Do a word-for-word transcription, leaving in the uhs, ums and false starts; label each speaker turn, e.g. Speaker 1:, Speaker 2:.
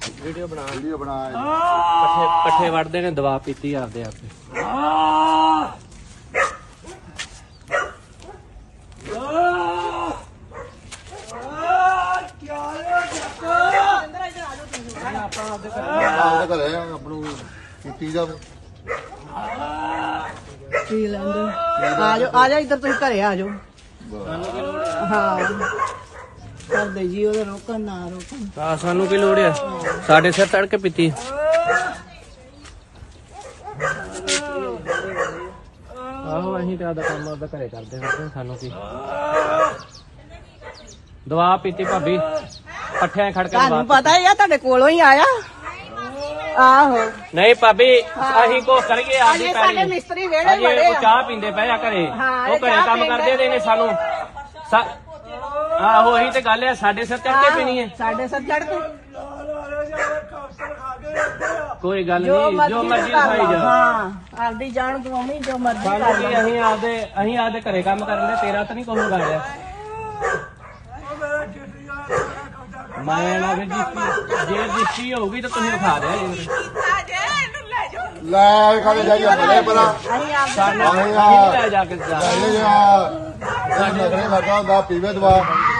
Speaker 1: video ਬਣਾ
Speaker 2: video ਬਣਾ
Speaker 1: ਪੱਠੇ ਪੱਠੇ ਵੜਦੇ ਨੇ ਦਵਾ ਪੀਤੀ ਆਪਦੇ ਆਪੇ
Speaker 2: ਆਪਦੇ ਘਰੇ ਆਪਣੂ ਕੀਤੀ ਜਾਵੇ
Speaker 3: ਪੀ ਲੈਂਦੇ ਆ ਜਾਓ ਆ ਜਾ ਇੱਧਰ ਤੁਸੀਂ ਘਰੇ ਆ ਜਾਓ ਹਾਂ ਕਰਦੇ ਜੀ ਉਹਦੇ ਰੋਕਣ ਨਾ ਰੋਕਣ
Speaker 1: ਆ ਸਾਨੂੰ ਕੀ ਲੋੜ ਆ ਸਾਡੇ ਸਿਰ ਚੜ ਕੇ ਪੀਤੀ ਆਹੋ ਅਸੀਂ ਤੇ ਆਦਾ ਕੰਮ ਆਪਦਾ ਘਰੇ ਕਰਦੇ ਹਾਂ ਸਾਨੂੰ ਕੀ ਦਵਾ ਪੀਤੀ ਭਾਬੀ ਪੱਠਿਆਂ ਖੜ ਕੇ
Speaker 3: ਤੁਹਾਨੂੰ ਪਤਾ ਹੀ ਆ ਤੁਹਾਡੇ ਕੋਲੋਂ ਹੀ ਆਇਆ ਆਹੋ
Speaker 1: ਨਹੀਂ ਭਾਬੀ ਅਸੀਂ ਕੋ ਕਰੀਏ ਆਦੀ
Speaker 3: ਅਜੇ ਸਾਡੇ ਮਿਸਤਰੀ ਵੇੜੇ
Speaker 1: ਅਜੇ
Speaker 3: ਬੜੇ
Speaker 1: ਉਹ ਚਾਹ ਪੀਂਦੇ ਪਏ ਆ ਘਰੇ ਉਹ ਘਰੇ ਕੰਮ ਕਰਦੇ ਦੇ ਨੇ ਸਾਨੂੰ ਆਹੋ ਇਹੀ ਤੇ ਗੱਲ ਆ ਸਾਡੇ ਸਿਰ ਚੜ ਕੇ ਪੀਣੀ ਹੈ
Speaker 3: ਸਾਡੇ ਸਿਰ ਚੜ ਕੇ
Speaker 1: ਕੋਈ ਗੱਲ ਨਹੀਂ ਜੋ ਮਰਜ਼ੀ ਖਾਈ ਜਾ
Speaker 3: ਹਾਂ ਆਪਦੀ ਜਾਨ ਗਵਾਉਣੀ ਜੋ ਮਰਜ਼ੀ ਕਰ
Speaker 1: ਸਾਨੂੰ ਕੀ ਅਸੀਂ ਆਪਦੇ ਅਸੀਂ ਆਪਦੇ ਘਰੇ ਕੰਮ ਕਰਨ ਦੇ ਤੇਰਾ ਤਾਂ ਨਹੀਂ ਕੋਈ ਗਾਇਆ ਮੈਂ ਨਾ ਵੀ ਜੇ ਜਿੱਤੀ ਹੋਊਗੀ ਤਾਂ ਤੁਸੀਂ ਖਾ ਰਿਹਾ ਜੀ
Speaker 2: ਲੈ ਕਾਲੇ ਜਾਈ ਆਪਣੇ ਪਰਾ
Speaker 1: ਸਾਨੂੰ ਲੈ ਜਾ ਕੇ ਜਾ
Speaker 2: ਲੈ ਜਾ ਸਾਡੇ ਘਰੇ ਲੱਗਾ ਹੁੰਦਾ ਪੀਵੇ ਦਵਾ